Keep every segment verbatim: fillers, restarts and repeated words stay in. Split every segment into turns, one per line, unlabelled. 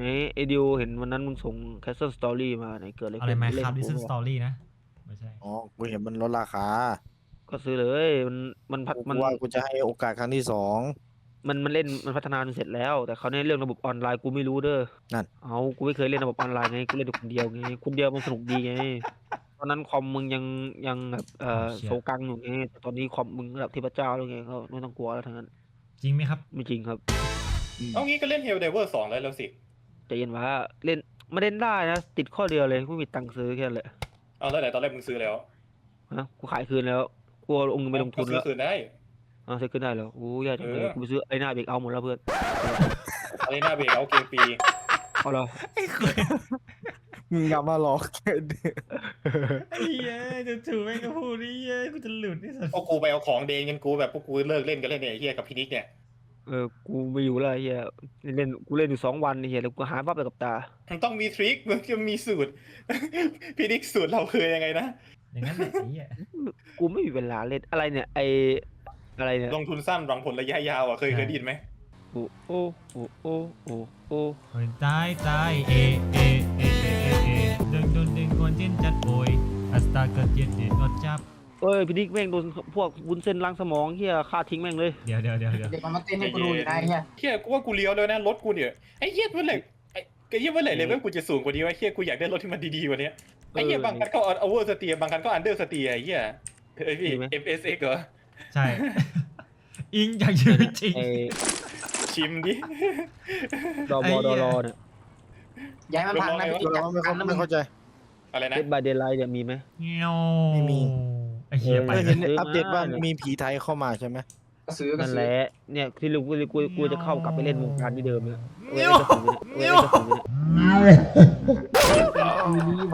ไอ้ไอดิวเห็นวันนั้นมึงส่ง Castle Story มาไหนเกิดอะไร
อะไร
ขึ้น
ไหม
เล่
คน รับ
กู
Listen
เปล่า
Story นะไม่ใช่
อ๋อกูเห็นมันลดราคา
ก็ซื้อเลยมันมันพัฒ
กู
มัน
ว่ากูจะให้โอกาสครั้งที่สอง
มันมันเล่นมันพัฒนาจนเสร็จแล้วแต่เขาเนี่ยเรื่องระบบออนไลน์กูไม่รู้เด้อ
นั่น
เอากูไม่เคยเล่นระบบออนไลน์ไงกูเล่นแต่คนเดียวไงคนเดียวมันสนุกดีไงตอนนั้นคอมมึงยังยังแบบเอ่อโซกังอยู่ไงแต่ตอนนี้คอมมึงระดับเทพเจ้าแล้วไงก็ไม่ต้องกลัวแล้วทั้งนั้น
จริงไหมครับ
ไม่จริงครับ
เอางี้ก็เล่น Helldiver สองได้แล้วสิ
ใจเย็นว่าเล่นไม่เล่นได้นะติดข้อเดียวเลยไม่มีตังค์ซื้อแค่นั้นแหละ
เอาแล้วไหนตอนแรกมึงซื้อแล้ว
ฮะกูขายคืนแล้วกูเอาเงินไปลงทุน
ก็ซื้
แล้
อ
ว
คืนได้
อ่าซื้อคืนได้แล้วโอ้ยากจังเลย
เออ
กูไปซื้อไอ้หน้าเบรกเอาหมดแล้วเพื่อน
อะไรหน้าเบรกเอาเกมปี
เอาเหรอ
ไอ้คน
มึงอย่ามาหลอก
ไอ้เหี้ยจะถูกแม่งก็พูดนี่เหี้ยกูจะหลุดนี่สัส
พวกกูไปเอาของเดนกันกูแบบพวกกูเลิกเล่นกันเล่นเนี่ยไอ้เฮียกับพินิกเนี่ย
เออกูไม่อยู่แล้วไอ้เฮียเล่นกูเล่นอยู่สองวันไอ้เฮียแล้วกูหาภาพไปกับตา
มันต้องมีทริคมันจะมีสูตร พินิกสูตรเราคือยังไงนะ
อย่างนั้นแหละไอ้เหี้ย
กูไม่มีเวลาเล่นอะไรเนี่ยไออะไรเนี่ย
ลงทุนสั้นหวังผลระยะยาวอ่ะเคยเคยได้ยินไหม
โอ้โอ้โอ้โอ้โอ้โอ้
โอ้ยตายตายเอเอเอเอเอเอดึงดึงดึงคนจินจัดโอยอัสตาเกิดเจ็ดเจ็ดรถจับ
เอ้ยพี่นิกแม่งโดนพวกวุ้นเส้นล้างสมองเฮียฆ่าทิ้งแม่งเลย
เดี๋ยวเดี๋ยวเดี๋ยวเดี๋ยว
เด็กมันมาเต้นให้กูดูอยู่นะไอ้เหี้ย
เฮียกูว่ากูเลี้ยวแล้วนะรถกูเนี่ยไอ้เฮียเมื่อไหร่ไอ้ไอ้เฮียเมื่อไหร่เลเวลกูจะสูงกว่านี้วะเฮียกูอยากได้รถที่มันดีๆกว่านี้ไอ้เฮียบางคันก็เอาเวอร์สเตียบางคันก็อันเดอร์สเตียไอ้เฮียเฮ้ยพี่ เอฟ เอส เอ็กซ์ เหรอ
ใช่ อิงจากชีวิตจริง
ไอ
ชิมดิ
ดอบ
ไอ้
อ
เหี้
ดอย รอเนี่ย
ย้ายมันพังนะพี่
เรา
จับ
ไม่
กันนะมึ
ไม่
ง
เข้าใจ
อะไรนะ
เดดบายเดย์ไลท์เนี่ยมีไหม
เงี้ยว
ไม่มี
ไอ้เหี้ยไป
เออ
ไม่
เล
เห็
ย
นอัปเดตว่ามีผีไทยเข้ามาใช่ไหม
ก็ซื้อก็
นั่น
ซื้
แห
อ
ละเนี่ยที่ลูกกูกูกูจะเข้ากลับไปเล่นวงการที่เดิมเนี่ยเว้ย
เงี้ยว
จะถึงเนี่ย
เงี้
เว้
ย
ยว จะถึงเนี่ย
มีนี้มา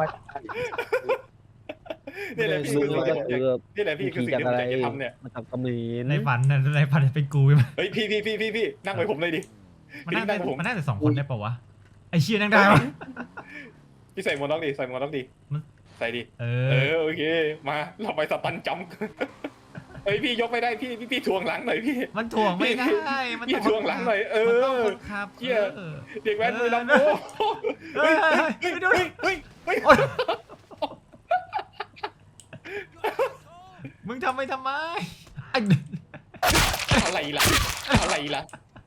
นี่แหละพี่
ลุ
คื
ง
อ
ก็
สิ่ง
คือ
นี่แหละพี่คือสิ่ง
จาก
ที่ผ
อะ
ม
ไร
อยากจะทำเนี่ย
มาจากเขมร
ในฝันน่ะในฝันเป็นกูใช่ไหม
เฮ้ยพี่พี่พี่พี่พี่นั่งไว้ผมเลยดิ
มันนั่ง
พี่นั่
ได้
งผม
มันนั่งแต่สองคนได้ปะวะไอ้เชี่ยนั่งได้ปะ
พี่ใส่หมวกน็อกดิใส่หมวกน็อกดิ
มัน
ใส่ดิ
เอ
เอ
อ
อโอเคมาเราไปสตันจัมป์ เฮ้ยพี่ยกไม่ได้พี่พี่พี่ทวงหลังหน่อยพี่
มันถ่วงไม่ได้มัน
พี่
ต้อง
ทวงหลังหน่อยเอ
มันต้อง
อ
คนขับ
เหี้ย
ออ
เด็กแว้นมือลำโพง
เฮ้ยเฮ้ย
เฮ้ย
เฮ้ย
เฮ้ยเฮ้ย
โอ๊ยมึงทำไปทำไมไอ้
อะไรล่ะอะไรล่ะ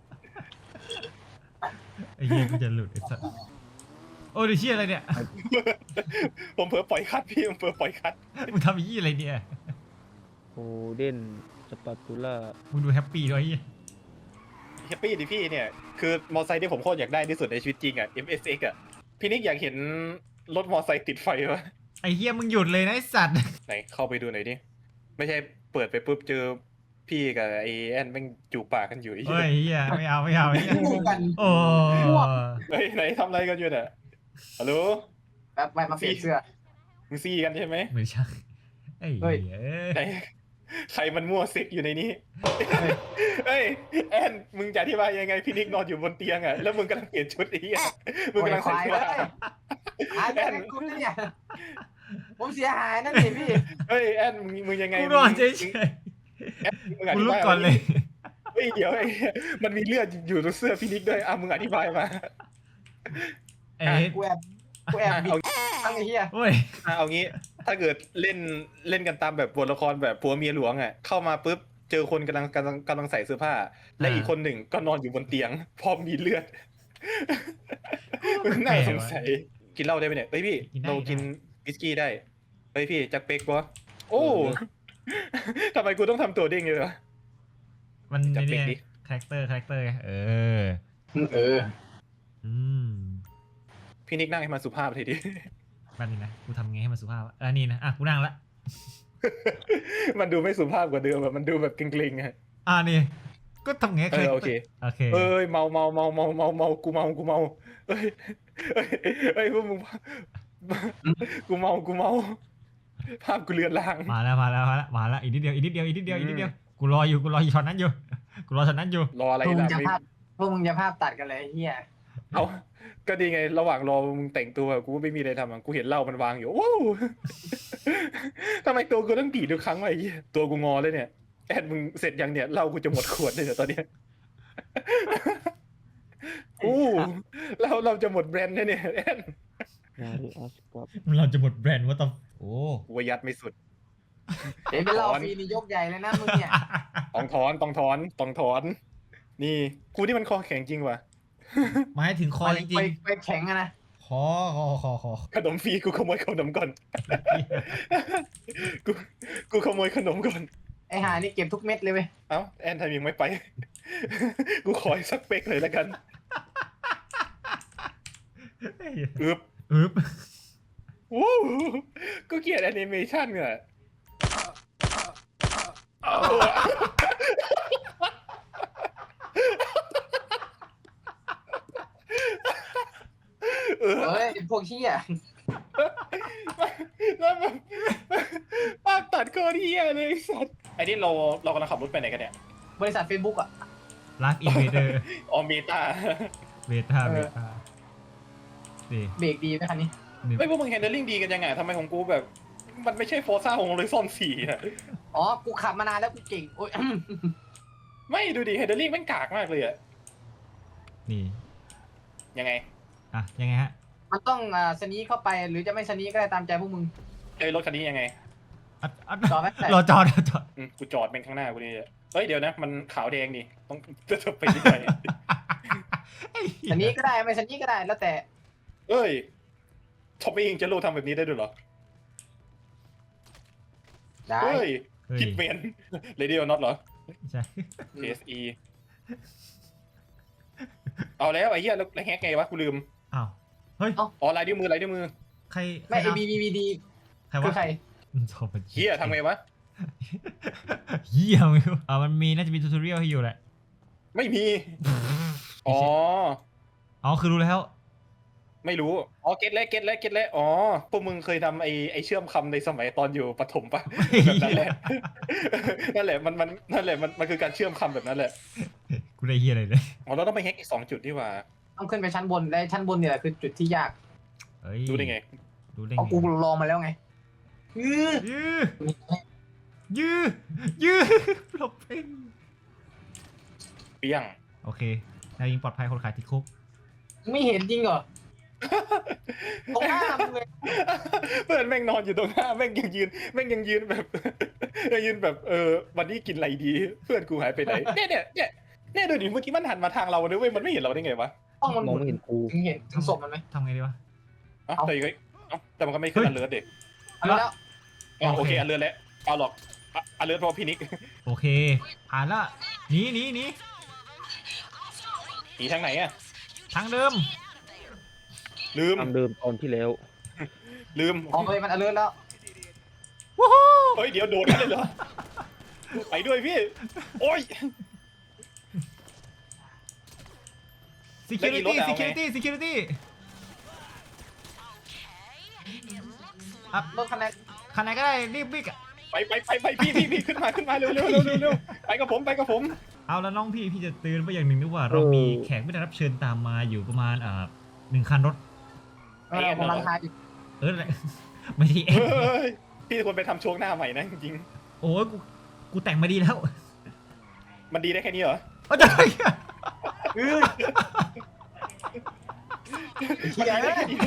ไอ้เหี้ยกูจะหลุดไอ้สัสโอ้ยเชี่ยอะไรเนี่ย
ผมเผลอปล่อยคัดพี่ผมเผลอปล่อยคัด
มึงทำไอ้ยี่อะไรเนี่ย
โอเดนสปาตูล่า
มึงดูแฮปปี้ด้วยไอ้เหี้ย
แฮปปี้ดิพี่เนี่ยคือมอไซค์ที่ผมโคตรอยากได้ที่สุดในชีวิตจริงอ่ะ เอ็ม เอส เอ็กซ์ อ่ะพี่นิกอยากเห็นรถมอไซค์ติดไฟปะ
ไอ้เหี้ยมึงหยุดเลยนะไอ้สัตว์
ไหนเข้าไปดูหน่อยดิไม่ใช่เปิดไปปุ๊บเจอพี่กับไอแอนแม่งจูบปากกันอยู่ไอ้
เฮ้
เหี้
ย
ย
เหี้ยไม่เอาไม่เอาไอ้เหี้ย
คู่กัน
โอ้
เฮ้ยไหนทำอะไรกันอยู่เนี่ยฮัลโหล
แป๊บไปมาเปลี่ยนเสื้อ
มึงซี่กันใช่ไหม
ไม่ใช่ไอ้
เฮ้
เหี้
ย
ย
ไหนใครมันมั่วซิกอยู่ในนี้เฮ้ยแอนมึงจะอธิบายยังไงพี่นิกนอนอยู่บนเตียงอ่ะแล้วมึงกำลังเปลี่ยนชุดไอ้เหี้ยมึงกำลัง
ค
ใส่
วาย
เสื้อ
เลยหายไปไหนกูเนี่ยผมเสียหายนั่นนี่พี่
เฮ้ยแอนมึงมึงยังไง
กูนอนเฉย
แอนมึง
ๆ
อ
กู
ธิ
ลุก
บาย
ก่อนเลย
เฮ้ยเดี๋ยวไอ้มันมีเลือดอยู่ตรงเสื้อพี่นิกด้วยอ่ะมึงอธิบายมา
เอ๊ะ
กูแอบกูแอบบิ
เอา
ดตั้งไอ้เหี้ย
โอ้ย
อ่ะเอางี้ถ้าเกิดเล่นเล่นกันตามแบบบทละครแบบผัวเมียหลวงอ่ะเข้ามาปุ๊บเจอคนกำลังกำลังกำลังใส่เสื้อผ้า และอีกคนหนึ่งก็นอนอยู่บนเตียง พร้อมมีเลือดมึงน่าสงสัยกินเหล้าได้ไหมเนี่ยเฮ้ยพี่เรากินวิสกี้ได้เฮ้ยพี่จักเป๊กวะโอ้ทำไมกูต้องทำตัวเด้งเลยวะ
มัน
จับ
นี่
เด็ก
ไง
ดิ
คาแรคเตอร์คาแรคเตอร์ไงเออ
เออ
อืม
พี่นิกนั่งให้มันสุภาพทีดิ
แป๊บนึงนะกูทำไงให้มันสุภาพวะเออนี่นะอ่ะกูนั่งละ
มันดูไม่สุภาพกว่าเดิมอะมันดูแบบเกรงๆอะ
อ่านี่ก็ทำไง
เออโอเค
โอเค
เอ้ยเมาเมาเมาเมาเมาเมากูเมากูเมาเอ้ยเอ้ยเอ้ยพวกมึงกูเมากูเมาภาพกูเลือนลาง
มาแล้วมาแล้วมาแล้วมาแล้วอีกนิดเดียวอีกนิดเดียวอีกนิดเดียวอีกนิดเดียวกูรออยู่กูรออยู่ช็อตนั้นอยู่กูรอช็อตนั้นอยู่
รออะไร
พวกมึ
ล่ะ
งจะ
ไม่
ภาพพวกมึงจะภาพตัดกันเลยไอ้เหี้ย
เอาก็ดีไงระหว่างรอมึงแต่งตัวกูก็ไม่มีอะไรทำอะกูเห็นเหล้ามันวางอยู่ว้าวทำไมตัวกูต้องดีดทุกครั้งวะไอ้เหี้ยตัวกูงอเลยเนี่ยแอดมึงเสร็จยังเนี่ยเหล้ากูจะหมดขวดเลยเนี่ยตอนเนี้ยอู้เราเราจะหมดแบรนด์เนี่ยเนี่ยแอน
นาริอัสกับ
เราจะหมดแบรนด์ว่าต้องโอ้
กูว่ายัดไม่สุด
เดี๋ยวไปเล่าฟรีนี่ยกใหญ่เลยนะมึงเนี่ย
ต้องถอนต้องถอนต้องถอน นี่กูนี่มันคอแข็งจริงว่ะ
หมายถึงคอจริ
ไป
ง
ไปแข็งอะนะ
ๆคอคอคอคอ
ขนมฟรีกูขโมยขนมก่อน กูกูขโมยขนมก่อน
ไอหานี่เก็บทุกเม็ดเลยเว้ย
เอ้าแอนทำยังไม่ไป กูขออีกสักเป๊กเลยแล้วกันอึบ
อึ๊บ
วู้กูเกลียดแอนิเมชันอ่ะเออ
เฮ้ยพวกเชี่ย
แล้วแบบภาพตัดโคตรเฮียเลยไอ้สัตว์ไอ้นี่เราเรากำลังขับรถไปไหนกันเนี่ย
บริษัทเฟซบุ๊กอะ
ไลฟ์อินเวเดอร์
ออเมตา
เบต้าเบต้านี่
เบรกดีไหมคันนี้
นี่
ไม่พวกมึงแฮนเดิลลิ่งดีกันยังไงทำไมของกูแบบ มันไม่ใช่โฟร์ซ่าของเลยซ่อนสี่อะ
อ๋อ กูขับมานานแล้วกูเก่ง โอ้ย
ไม่ดูดิแฮนเดิลลิ่งมันกากมากเลยอะ
นี่
ยังไง
อ่ะยังไงฮะ
มันต้องอ่าสนีเข้าไปหรือจะไม่สนีก็ได้ตามใจพวกมึง
เอ้ยรถคันนี้ยังไง
อ่ะอ่ะ
จอดไว้แต่
รอจอดรอจอด
อืมกูจอดเป็นข้างหน้ากูนี่เฮ้ยเดี๋ยวนะ มันขาวแดงดิต้องจะไปที่ไหน
สนีก็ได้ไม่สนีก็ได้แล้วแต่
เอ้ยท็อปเองจะโลทำแบบนี้ได้ด้วยเหรอ
ได้
เฮ้ย
เฮ้ย
คิดเมนเรดิโอน็อตเหรอ
ใช่
ที เอส อี เอาแล้วไอ้เหี้ยแล้วแล้วแฮกไงวะกูลืม
อ้าวเฮ้ย
อ๋อลายนิ้วมือลายนิ้วมือ
ใคร
ไม่
ใคร
ไอบีบีบีดี
ใคร
คือ
วะ
ใคร
โทรไป
เหี้ยทำไงวะ
เหี้ยไม่รู้อ่ามันมีน่าจะมีทูตอเรียลให้อยู่แหละ
ไม่มี อ๋อ
อ๋อคือรู้แล้ว
ไม่รู้ อ๋อ เก็ตแล้วเก็ตแล้วเก็ตแล้วอ๋อ พวกมึงเคยทำไอ้ไอ้เชื่อมคำในสมัยตอนอยู่ประถมปะ แบบนั้นแหละ นั่นแหละ มัน มัน นั่นแหละ มัน มันคือการเชื่อมคำแบบนั้นแหละ
กูได้เหี้ยอะไรเลย
อ๋อ เราต้องไปแฮกอีกสองจุดนี่หว่า
ต้องขึ้นไปชั้นบนและชั้นบนเนี่ยแหละคือจุดที่ยาก
เฮ้ย
รู้ได้ไง
รู้ได้
เพราะ
ไง
กูลองมาแล้วไงอือ
ยื้อยื้อยื้อหลบเอง
เปี้ยง
โอเคนายยิงปลอดภัยคนขายติดคุก
ไม่เห็นจริงเหรอตรงหน้ามึงเลย
เพื่อนแม่งนอนอยู่ตรงหน้าแม่งยังยืนแม่งยังยืนแบบ ยังยืนแบบเออวันนี้กินอะไรดี เพื่อนกูหายไปไหนเนี่ยเนี่ยเนี่ยเนี่ยดูดิเมื่อกี้มันหันมาทางเราด้วยเว้ยมันไม่เห็นเราได้ไงวะ
ต้องมัน
มองไม่เห็นกู
ถึงเห็นถึงศพมันไหม
ทำไงดีวะ
เอ้า
เอ้า
แต่ยังไงเอ้าแต่มันก็ไม่ขึ้นอันเลิศเด็ก
เอาแล้ว
อ๋อโอ
โอ
เค
เค
อันเลิศแล้วเอาหรอกอ่ะอันเลิศเพราะพี่นิก
โอเค ผ่านละหนีหนีหนี
หนีทางไหนอะ
ทางเดิม
ลืม
ทางเดิมตอนที่แล้ว
ลืม
อ๋อเลยมันอเลิร์แล้ว
ว้าว
เฮ้ยเดี๋ยวโดดกันเลยเหรอไปด้วยพี่โอ้ย
security
แล้วอีรถอะเอาไง
security security
รถคันไหน
คันไหนก็ได้รีบวิ่งอะ
ไปไปไปไปพี่พี่พี่ขึ้นมาขึ้นมาเร็วเร็วเร็วเร็วเร็วไปกับผมไปกับผม
เอาแล้วน้องพี่พี่จะเตือนไว้อย่างหนึ่งด้วยว่าเรามีแขกไม่ได้รับเชิญตามมาอยู่ประมาณอ่าหนึ่งคันรถ
เออผมรังคาอยู่
เอออะไร ไม่ใช่เอ็
เฮ้ยพี่ควรไปทำช่วงหน้าใหม่นะจริง
โอ้ยกูกูแต่งมาดีแล้ว
ๆมันดีได้แค่นี้เหรอ
โอ้ยจะ
เออ
มันดีได้แค่นี้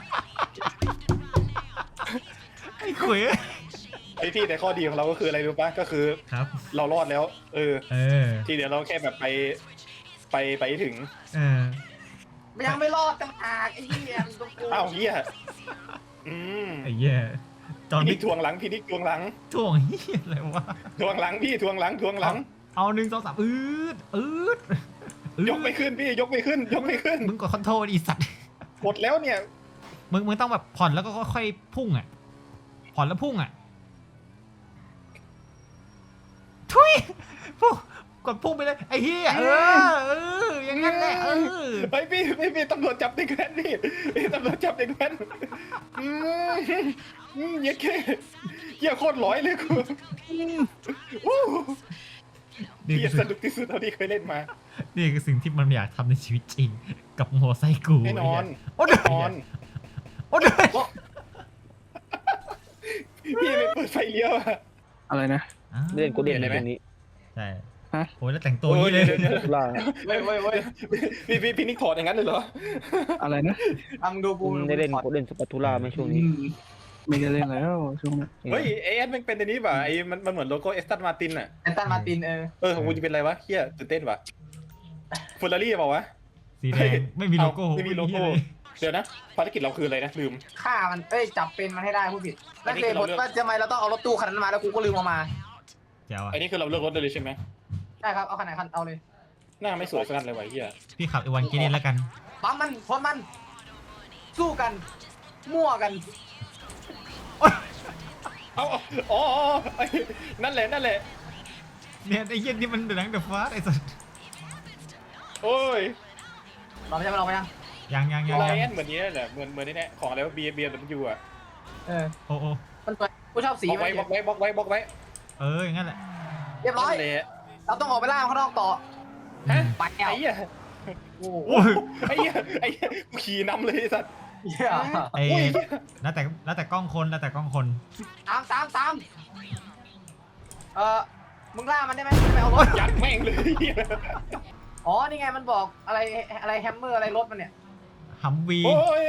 ไอ้ขวย
ไอพี่แต่ข้อดีของเราก็คืออะไรรู้ปะก็คือ
ครับ
เรารอดแล้ว เออ
เออ
ทีเดียวเราแค่แบบไปไปไปถึง
เออ
ยังไม่รอดต่างหากไอ้เหี้ยมันต้องกู
อ้าวเฮียอืม
ไอ้เหี้ยตอน
พี่นิ
นี้
กทวงหลังพี่นิกทวงหลัง
ถ่วงเหี้ยอะไรวะ
ทวงหลังพี่ทวงหลังทวงหลัง
เอาหนึ่งสองสามอืดอืดอืด
ยกไม่ขึ้นพี่ยกไม่ขึ้น ยกไม่ขึ้น
มึงกดคอนโทรลอีสัตว์
หมดแล้วเนี่ย
มึงมึงต้องแบบผ่อนแล้วก็ค่อยๆพุ่งอ่ะ ผ่อนแล้วพุ่งอ่ะ ทุยพุ่งกดพุ่งไปเลยไอ้เหี้ยเออเอออย่างนั้นแหละเออ
ไปพี่พี่พี่ตำรวจจับเด็กแว้นพี่พี่ตำรวจจับเด็กแว้นอืมอืมเหี้ยแค่เหี้ยโคตรร้อยเลยกูวู้
นี่
เหี้ย
คือ
สนุกที่สุดเท่าที่เคยเล่นมา
นี่คือสิ่งที่มันอยากทำในชีวิตจริง กับมอไซค์กู
แน่นอน
โอ้เดื
นอน
โอ้เดื
พี่ไปเปิดไฟเลี้ยวอะ
อะไรนะ
เล่นกูเด่นในตรงนี้
ใช่โอ้ยแล้วแต่งตัวอย่างนี้เลย
ดี๋วดี๋ว
ตุลา
เว้ยเว้ยเว้ย
พี่พี่พี่นิกถอดอย่างนั้นเลยเหรอ
อะไรนะ
ทำดูกู
คุณได้เล่นเล่นสปาตูล่าไหมช่วงนี้
อืมไม่ได้เล่นแล้วช่วงนี้
เฮ้ยไอแอดมันเป็นอันนี้ป่ะไอมันมันเหมือนโลโก้เอสตันมาตินอ่ะ
แอนตันมาตินเออ
เออของกูจะเป็นอะไรวะเฮียตื่นเต้นป่ะเฟอร์รารี่เปล่าวะ
สีแดงไม่มีโลโก้
ไม่มีโลโก้
เหี้ยเลย
เดี๋ยวนะภารกิจเราคืออะไรนะลืม
ฆ่ามันเอ้ยจับเป็นมันให้ได้ผู้ผิด
อั
นั่
น
น
นี้
คื
คือ อ
ผ
เรา
ล
เลือก
ว่าทำไมเราต้องเอารถตู้คันนั้นมาแล้วกูก็ลืมเอามา
แจ๋วอ่ะ
อันนี้คือเราเลือกรถได้เลยใช่ไหม
ได้ครับเอาคันไหนคันเอาเลย
หน้าไม่สวยสักคันเลยวะเฮีย
พี่ขับไอวันกินเองแล้วกัน
ปั๊มมันพนมัน สู้กัน มั่วกัน
เอาเอาอ๋ออ๋อไอ้นั่นแหละนั่นแหละ
เนี่ยไอ้เหี้ยนี่มันหนังเดอะฟาสไอ้สัส
โอ้ย
เราไม่ใช่เราไปยัง
ยังยังยัง
ไล
ยัง
แอนเหมือนนี้แหละเหมือนเหมือนนี่แหละของอะไรวะเบียร์เบียร์ดับยูอ่ะ
เออ
โอ้โอ้
มันตัวกูชอบสี
บล็อก
มั
ไว้
น
บล็อกไว้บล็อกไว้บล็อกไว้
เอออย่างนั้นแหละ
เรียบร้อย
นั่นแหละ
เราต้องออกไปล่าข้างนอกต่อ
ฮะ
ไปแล้ว
ไอ้เหี้ย
โอ้โห
โอ้ย
ไอ้เหี้ยไอ้เหี้ยกูขี่นำเลยไอ้สัตว์
เหี้ย
ไอ้แล้วแต่แล้วแต่กล้องคนแล้วแต่กล้องคน
ตามตามตามเออมึงล่ามันได้ไหมไปเอารถ
ยัดแม่งเลยเหี้ย
อ๋อ นี่ไงมันบอกอะไรอะไรแฮมเมอร์อะไรรถมันเนี่ย
ฮัมวี
โอ้ย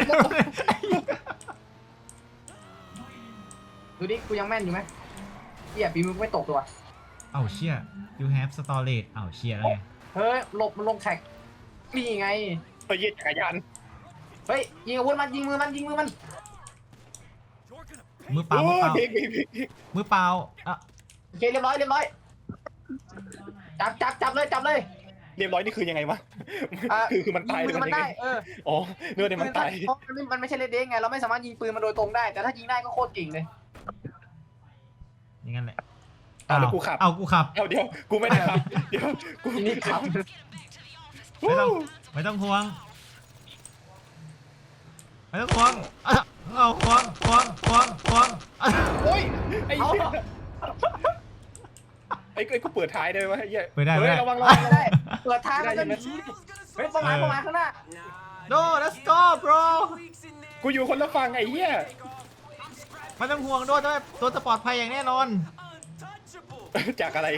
ดูดิ กูยังแม่นอยู่ไหมเหี้ยปีมือกูไม่ตกตัว
เอ้าเชี่ย you have storage เอ้าเชี่ยแล้วไง
เฮ้ยหลบมันลงแท็กนี่ไง
ไปเหยียดจักรยาน
เฮ้ย ยิงอาวุธมันยิงมือมันยิงมือมัน
มือเปล่า
โอ้
มือเปล่า
เบรกเบรกเบรก
มือเปล่าอ่ะ
โอเคเรียบร้อยเรียบร้อย จับจับจับเลยจับเลย
เรียบร้อยนี่คือยังไงวะ
อ่ะ
คือคือมันตาย
ยิง
ห
มื
รือ
อ
มั
มัน น
ยัง
ได้
ไง
เออ
อ๋อเนื้อเนี่ยมันตาย
เพราะมันไม่มันไม่ใช่เลดเด้งไง เราไม่สามารถยิงปืนมันโดยตรงได้ แต่ถ้ายิงได้ก็โคตรเก่งเลย
อย่างนั้นแหละ
เอาแล้วกูขับ
เอากูขับ
เอาเดี๋ยวกูไม่ได้ขับเดี๋ยวกู
ทีนี้ขับ
ไม่ต้องไม่ต้องห่วงไม่ต้องห่วงอ่ะเอาห่วงห่วงห่วงห่วงอ่ะ
โอ้ยไอ้
เอา
เหี้ยไอ้ไอ้กูเปิดท้ายได้ไหมไอ้เหี้ย
เปิดได้
เฮ้
เปิด
ย
ได้
ระวังระวังระวัง
ได้เปิดทางมันก็หนีเฮ้ยประมาณประมาณข้างหน้า
no let's go bro
กูอยู่คนละฝั่งไอ้เหี้ย
ไม่ต้องห่วงด้วยด้วยตัวจะปลอดภัยอย่างแน่นอน
จากอะไร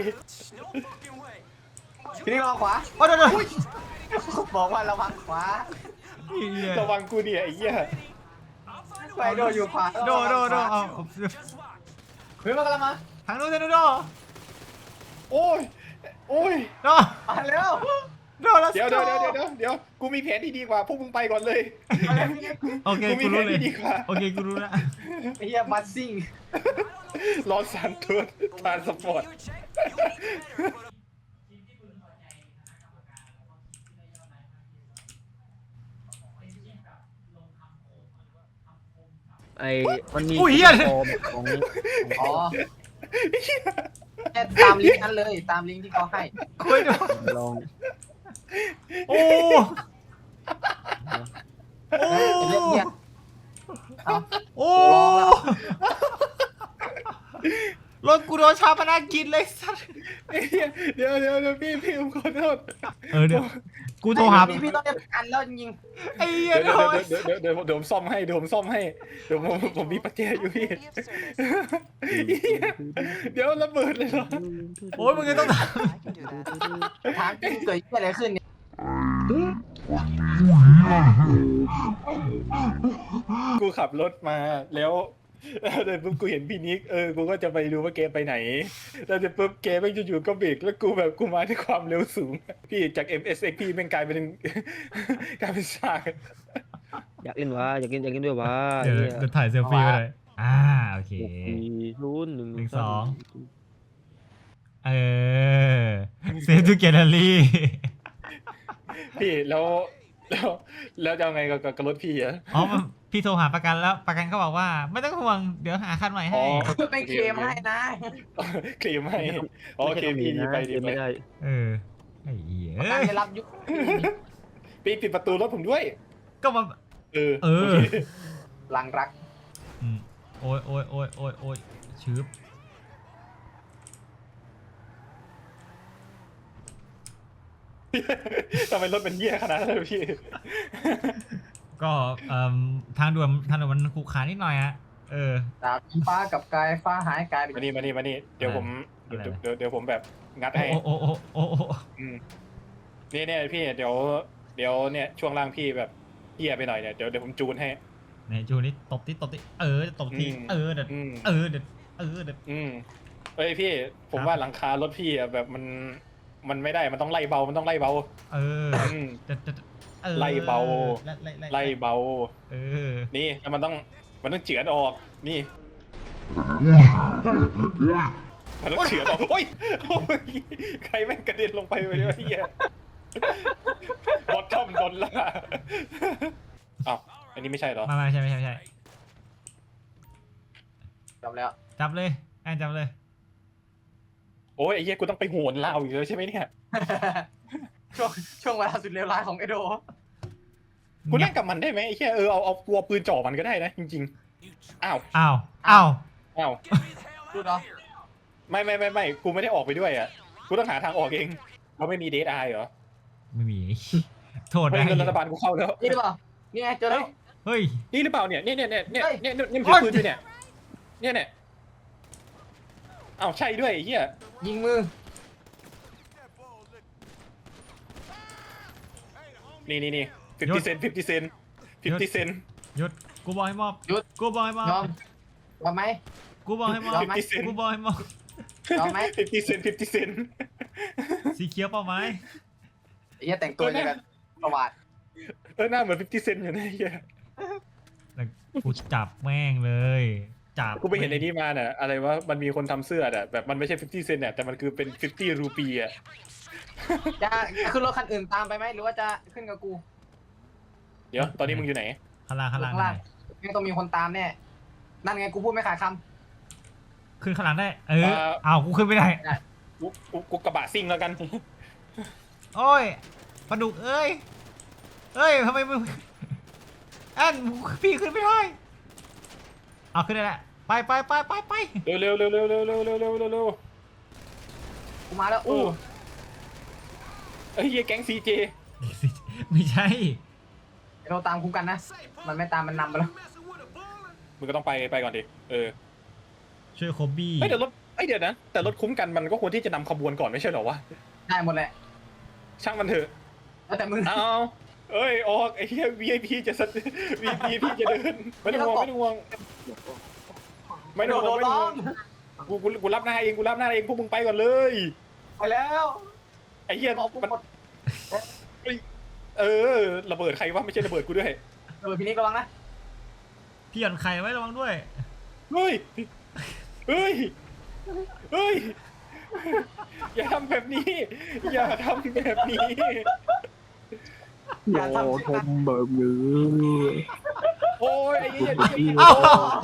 ทีนี้รอขวา
โอ้โดโด
บอกว่าระวังขวา
ระวังกูเนี่ยไอ้เหี้ย
ไปโดอยู่ขวา
โดโดโดเอา
เฮ้ยมากำลังมา
ทางนู้นทางนู้นโด
โอ้ยโอ้ย
โด
มาเร็ว
โด let's
เดี๋ยว
go
เดี๋ยวเดี๋ยวเดี๋ยวเดี๋ยวกูมีแผนที่ดีกว่าพวกมึงไปก่อนเลย
โอเค
กูมี
กู
แผ
รู้
น
เลย
ที่ดีกว่า
โอเคกูรู้แล้ว
ไอ้เหี้ยบัสซิ่ง
รอสันทัวร์ทรานสปอร์ต
ไอ้มันมี
อุ้ยเหี้ย
ฟอร์มของ
อ๋อแค่ตามลิงก์นั้นเลย ตามลิงก์ที่เขาให้
คุยดู
ลอง
โอ้โอ้
ไอ้เรื่องเนี้ยเอา
โอ้รถกูโดนชาปนากินเลยสัส
ไอ้เหี้ยเดี๋ยวเดี๋ยวเดี๋ยวพี่พี่ผมขอโทษ
เออเดี๋ยวกูโทรหา
พี่พี่ต้องจะกันแล้วจริง
ไอ้เหี้ย
เดี๋ยว
โทร
เดี๋ยวเดี๋ยวเดี๋ยวเดี๋ยวผมซ่อมให้เดี๋ยวผมซ่อมให้เดี๋ยวผมผมมีปัจเจยอยู่พี่เดี๋ยวระเบิดเลยเหรอ
โอ้ยมึงจะต้องถาม
ๆถามจริงเกิดอะไรขึ้นเนี่ย
กูขับรถมาแล้วแล้วเดี๋ยวปุ๊บกูเห็นพี่นิกเออกูก็จะไปดูว่าเกมไปไหนแล้วเดี๋ยวปุ๊บเกมแม่งอยู่ๆก็เบรกแล้วกูแบบกูมาด้วยความเร็วสูงพี่จาก เอ็ม เอส เอ็กซ์ พี่แม่งกลายเป็น กลายเป็นซาก
อยากเล่นวะอยากเล่นอยากเล่นด้วยวะ
เดี๋ยวเดี๋ยวถ่ายเซลฟี่ไปเลยอ่าโอเค
หกสี่ศูนย์หนึ่ง
หนึ่งสอง เออเซฟทูแกลเลอรี่
พี่แล้วแล้วแล้วจะเอาไงกับกับรถพี่อะ
อ๋อมันพี่โทรหาประกันแล้วประกันก็บอกว่าไม่ต้องห่วงเดี๋ยวหาคันใหม่ให้
ไม่เคลมให้นะ
เคลมให้โอเคพี่ดีไปดีไป
ไม่ได้
เออไอ้เหี้ย
การได้รับยุค
พี่ปิดประตูรถผมด้วย
ก็มา
เออ
เออ
โค
หลังรัก
อืมโอ้ยโอ้ยโอ้ยโอ้ยโอ้ยชืบ
ทำไมรถเป็นเหี้ยขนาดนั้นเลยพี่
ก็เอ่อทางด่วนทางด่วนมันขรุขระนิดหน่อยอะเออ
ดาบฟ้ากับกายฟ้าหายกลายเป็น
มานี่มานี่มานี่เดี๋ยวผมเดี๋ยว
อะไร
เดี๋ยวเดี๋ยวผมแบบงัดให้
โอ้โอ้โอ้โอ้โอ้
อืมนี่เนี่ยพี่เดี๋ยวเดี๋ยวเนี่ยช่วงล่างพี่แบบเฮียไปหน่อยเนี่ยเดี๋ยวเดี๋ยวผมจูนให้
ไหนจูนี่ตบที่ตบที่เออตบที
อืม
เออเด็ด
อืม
เออเด็ดเออเด็ด
อืมเอ้ยพี่ผม
ครับ
ว่าหลังคารถพี่อะแบบมันมันไม่ได้มันต้องไล่เบามันต้องไล่เบา
เออ
อืม
เด็ดเด็ดเออ
ไล่เบา
ไล่ไล่ไล่
ไล่เบา
เออ
นี่แล้วมันต้องมันต้องเฉือนออกนี่มันต้องเฉือนออกโอ้ยโอ้ยใครแม่งกระเด็นลงไปวะเนี่ยเฮียบอททอมโดนล่าอ้าวอันนี้ไม่ใช่เหรอ
มาไม่ใช่ไม่ใช่ไม่ใช่
จบแล้ว
จับเลยแอนจับเลย
โอ้ยไอ้เหี้ยกูต้องไปโหนลาวอีกแล้วใช่ไหมเนี่ย
ช่วงช่วงเวลาสุดเลวร้ายของไอโด
กูนั่งกับมันได้ไหมไอ้เหี้ยเออเอาเอาตัวปืนจ่อมันก็ได้นะจริงๆอ้าว
อ้าวอ้าว
อ้าว
ดูเนาะ
ไม่ไม่ไม่ไม่กูไม่ได้ออกไปด้วยอ่ะกูต้องหาทางออกเองเราไม่มีเดทไอเหรอ
ไม่มี โทษ
ไม่
นะ
เงินรัฐบาลกูเข้าแล้ว
นี่หรือเปล่านี่ไงเจอแล้ว
เฮ้ย
นี่หรือเปล่าเนี่ยเนี่ยเนี่ยเนี่ย
เฮ้ย
เนี่ยเนี่ยเนี่ยถือปืนอยู่เนี่ยเนี่ยเนี่ยอ้าวใช่ด้วยไอ้เหี้ย
ยิงมือ
นี่นี่นี่ฟิฟตี้เซนฟิฟตี้เซนฟิฟตี้เซน
หยุดกูบอกให้มอบ
หยุด
กูบอกให้มอบ
ยอมยอมไหม
กูบอกให้มอบ
ยอมไหม
กูบอกให้มอบ
ยอมไหม
ฟิฟตี้เซนฟิฟตี้เซน
สีเขียวเปล่าไหม
ไอ้เหี้ยแต่งตัวอย่างกันประวัติ
เออหน้าเหมือนฟิฟตี้เซนอยู่นะไอ้เหี้ย
แล้วกูจับแม่งเลยจับ
กูไปเห็นในนี้มาน่ะอะไรวะมันมีคนทำเสื้ออ่ะแบบมันไม่ใช่ฟิฟตี้เซนเนี่ยแต่มันคือเป็นฟิฟตี้รูปีอ่ะ
จะขึ้นรถคันอื่นตามไปไหมหรือว่าจะขึ้นกับกู
เดี๋ยวตอนนี้มึงอยู่ไหน
ข้างล่างข้างล่าง
ข้างล่างยังต้องมีคนตามแน่นั่นไงกูพูดไม่ขาดค
ขึ้นข้างหลังได้ เออ
เอ่อ
อ้าวกูขึ้นไม่ได้
กูกูกูกระบะซิ่งแล้วกัน
โอ้ยปลาดุกเอ้ยเอ้ยทำไมมึงแอนพี่ขึ้นไม่ได้เอาขึ้นได้แหละไปไปไปไปไป
เร็วเร็วเร็วเร็วเร็วเร็วเร็วเร็วเร็วเร็ว
ำกูมาแล้วอู้
เฮ้ยเหี้ยแก๊งซีเจ
ไม่ใช่
ไอโดตามกูกันนะ มันไม่ตามมันนำไปแล้ว
มึงก็ต้องไปไปก่อนดิเออ
ช่วยโคบี้
เฮ้ยเดี๋ยวรถเอ้ยเดี๋ยวนะแต่รถคุ้มกันมันก็ควรที่จะนำขบวนก่อนไม่ใช่เหรอวะ
ได้หมดแหละ
ช่างมันเถอะ
แล้วแต่มึง
เอาเอ้ยออกไอ้เหี้ย วี ไอ พี จะสัต วี ไอ พี พี่จะเดินไม่ต้องห่วงไม่ต้องห่วงไม่ต้องห่วงไม่ต้องห่วงกูกูกูรับหน้าเองกูรับหน้าเองพวกมึงไปก่อนเลย
ไปแล้ว
ไอ้เหี้ย
บอกกู
มัน
หมด
เออระเบิดใครวะไม่ใช่ระเบิดกูด้วย
เออพี่นิกระวังนะ
พี่หย่อนไข่ไว้ระวังด้วย
เฮ้ย เฮ้ย เฮ้ย อย่าทำแบบนี้ อย่าทำแบบนี้
อย่าทำ
โอ้
เช่น
ท
นั้น
มแบบนี้
โอ้ยไอ้เหี้ย
เอ้า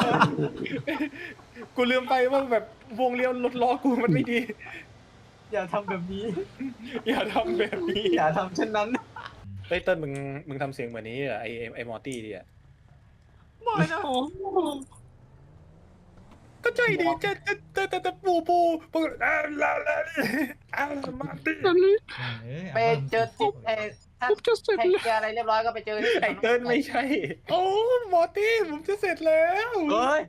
กูลืมไปว่าแบบวงเลี้ยวรถล้อกูมันไม่ดี
อย่าทำแบบนี้
อย่าทำแบบนี้
อย่าทำเช่นนั้น
เฮ้ยเติ้ลมึงมึงทำเสียงเหมือนนี้เหรอไอไอ้ไอมอร์ตี้ดิอ่ะ
ไม่นะ
ก็ใจดีจะจะจะจะจะปูปูปูอ่าลาลาอ่ามาร์ตี้
นั่นเลย
เอ้ย
ไปเจอติดเออถ้า
ผมจะเสร็จ
ให้
แล้ว
เคลียร์อะไรเรียบร้อยก็ไปเจอที่
ไอเติ้ลไม่ใช่ โอ้มอร์ตี้ผมจะเสร็จแล้ว
เฮ้ย